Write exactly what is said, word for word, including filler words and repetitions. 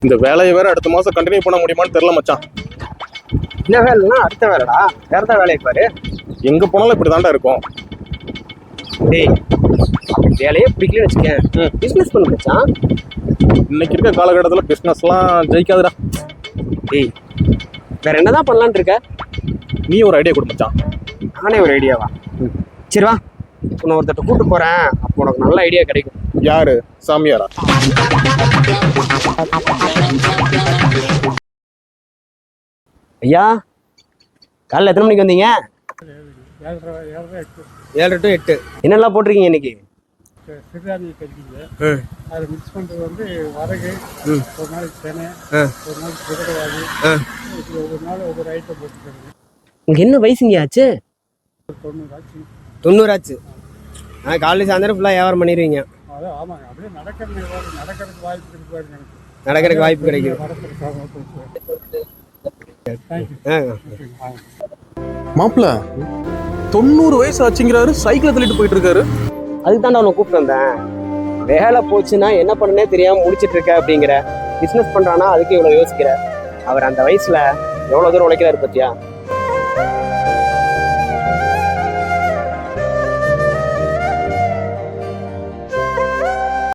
இந்த வேலையை வேற அடுத்த மாசம் கண்டினியூ பண்ண முடியுமான்னு தெரியல மச்சான். இந்த வேலைன்னா அடுத்த வேலைடா, வேற தான் வேலையை பாரு. எங்க போனாலும் இப்படி தாண்டா இருக்கும். டேய், அப்படி வேலையே பிடிக்கலன்னு வச்சுக்கேன், பிஸ்னஸ் பண்ண மச்சான். இன்னைக்கு இருக்க காலகட்டத்தில் பிஸ்னஸ்லாம் ஜெயிக்காதுடா. டேய், வேற என்னதான் பண்ணலான்னு இருக்க? நீ ஒரு ஐடியா கொடு மச்சான். நானே ஒரு ஐடியாவா? சரி வா, உன்னை ஒருத்தட்ட கூட்டு போறேன், அப்போ உனக்கு நல்ல ஐடியா கிடைக்கும். யாரு? சாமியாரா? ஐயா, காலைல எத்தனை மணிக்கு வந்தீங்க? ஏழரை டு எட்டு. என்னெல்லாம் போட்டிருக்கீங்க இன்னைக்கு? சிறுதானிய கஞ்சிங்க, அதை மிக்ஸ் பண்ணுறது வந்து வரகு, ஒரு நாளைக்கு தெனை, ஒரு நாளைக்கு குதிரைவாகு, ஒவ்வொரு நாள் ஒவ்வொரு ஐட்டம் போட்டுருக்காங்க. உங்களுக்கு என்ன வயசுங்க ஆச்சு? தொண்ணூறாச்சு. தொண்ணூறாச்சு. ஆ, காலையில் சாயந்தரம் ஃபுல்லாக வியாபாரம் பண்ணிடுவீங்க. அதான் ஆமாங்க, அப்படியே நடக்கிறது நடக்கிறதுக்கு வாய்ப்பு இருக்கு பாருங்க. நடக்கிறதுக்கு வாய்ப்பு கிடைக்கும். மாப்பிள்ள தொண்ணூறு வயசு ஆச்சுங்கிறாரு, சைக்கிளை தள்ளிட்டு போயிட்டு இருக்காரு. அதுக்கு தான் அவனை கூப்பிட்டு வந்தேன். வேலை போச்சுன்னா என்ன பண்ணனே தெரியாமல் முடிச்சிட்டு இருக்க அப்படிங்கிற. பிஸ்னஸ் பண்ணுறான்னா அதுக்கு இவ்வளோ யோசிக்கிற. அவர் அந்த வயசில் எவ்வளோ தூரம் உழைக்கிறாரு பத்தியா?